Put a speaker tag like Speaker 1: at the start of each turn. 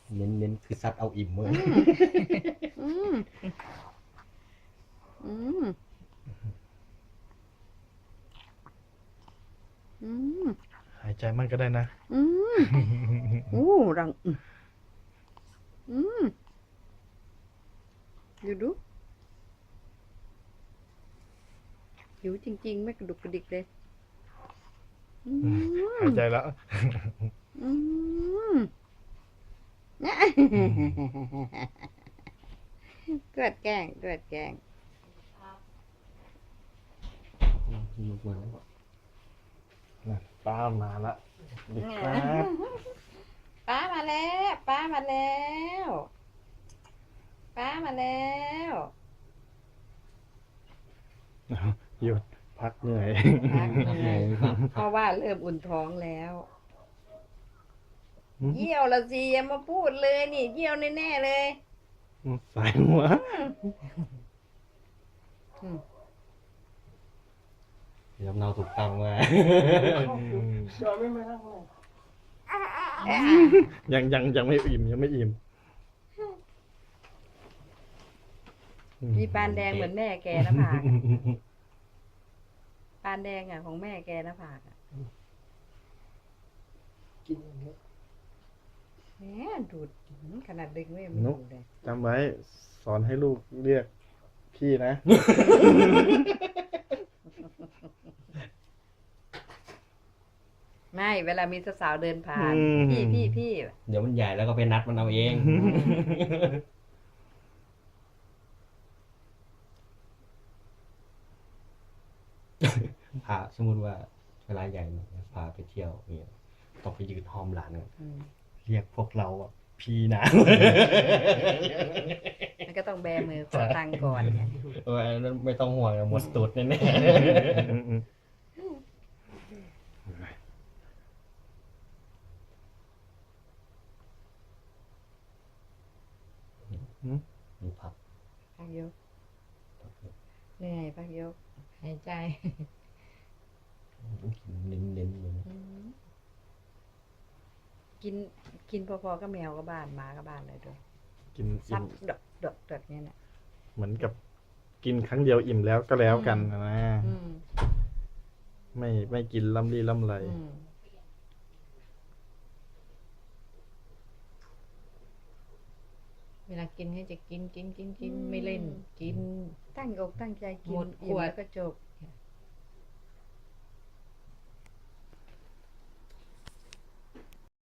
Speaker 1: เน้นคือซัดเอาอิ่มเลย
Speaker 2: อืมอืมอืม
Speaker 3: หายใจมันก็ได้นะ
Speaker 2: อืมอู้รังอืมดูหิวจริงๆไม่กระดุกกระดิกเลยอืม
Speaker 3: หายใจแล้ว
Speaker 2: อืมเกิดแกล้ง
Speaker 1: ลูกมาแล้ว
Speaker 3: ป้ามาละดีครับ
Speaker 2: ป้ามาแล้วป้ามาแล้วป้ามาแล้ว
Speaker 3: หยุดพักเหนื่อย
Speaker 2: พักเหนื่อย
Speaker 1: ครับ
Speaker 2: เพราะว่าเริ่มอุ่นท้องแล้ว
Speaker 3: อืม
Speaker 2: เยี่ยวละสิอย่ามาพูดเลยนี่เยี่ยวแน่ๆเลย
Speaker 3: ใส่หัว
Speaker 1: ลำเนาถูกต้องมา
Speaker 3: ยังไม่อิ่มยังไม่อิ่ม
Speaker 2: มีปานแดงเหมือนแม่แกนะผากปานแดงอ่ะของแม่แกนะผากอ่ะ
Speaker 1: กินอย่างเงี้ย
Speaker 2: แหมดูดขนาดดึงไม่ดูดเลย
Speaker 3: จำไว้สอนให้ลูกเรียกพี่นะ
Speaker 2: ไม่เวลามีสาวๆเดินผ่าน
Speaker 3: อืม
Speaker 2: พี่
Speaker 1: เดี๋ยวมันใหญ่แล้วก็ไปนัดมันเอาเองพาสมมติว่าเวลาใหญ่หน่อยพาไปเที่ยวเนี่ยต้องไปยืนห้อมหลานกัน
Speaker 2: อืม
Speaker 1: เรียกพวกเราอ่ะพี่นะ
Speaker 2: มันก็ต้องแบมือขอตังค์ก่อนไง
Speaker 1: อันนั้นไม่ต้องห่วงหมดตูดแน่
Speaker 3: อืม
Speaker 1: ๆมีผัก
Speaker 2: พักยกเหนื่อยพักยกหายใจ
Speaker 1: เน้นๆเลยนะ
Speaker 2: กินพอๆก็แมวก็บ้านหมาก็บ้านเลยด้วย
Speaker 3: กิน
Speaker 2: ซั
Speaker 3: อิ่
Speaker 2: บ
Speaker 3: ม
Speaker 2: ดอกเนี่ยนะ
Speaker 3: เหมือนกับกินครั้งเดียวอิ่มแล้วก็แล้วกันนะ
Speaker 2: อืม
Speaker 3: ไม่กินล่ำลี่ล่ำไร
Speaker 2: อืม
Speaker 4: เวลากินให้จะกินไม่เล่น กิน
Speaker 2: ตั้งอกตั้งใจกิน
Speaker 4: หมดข
Speaker 2: อิ่ม
Speaker 4: วด
Speaker 2: แล้วก็จบ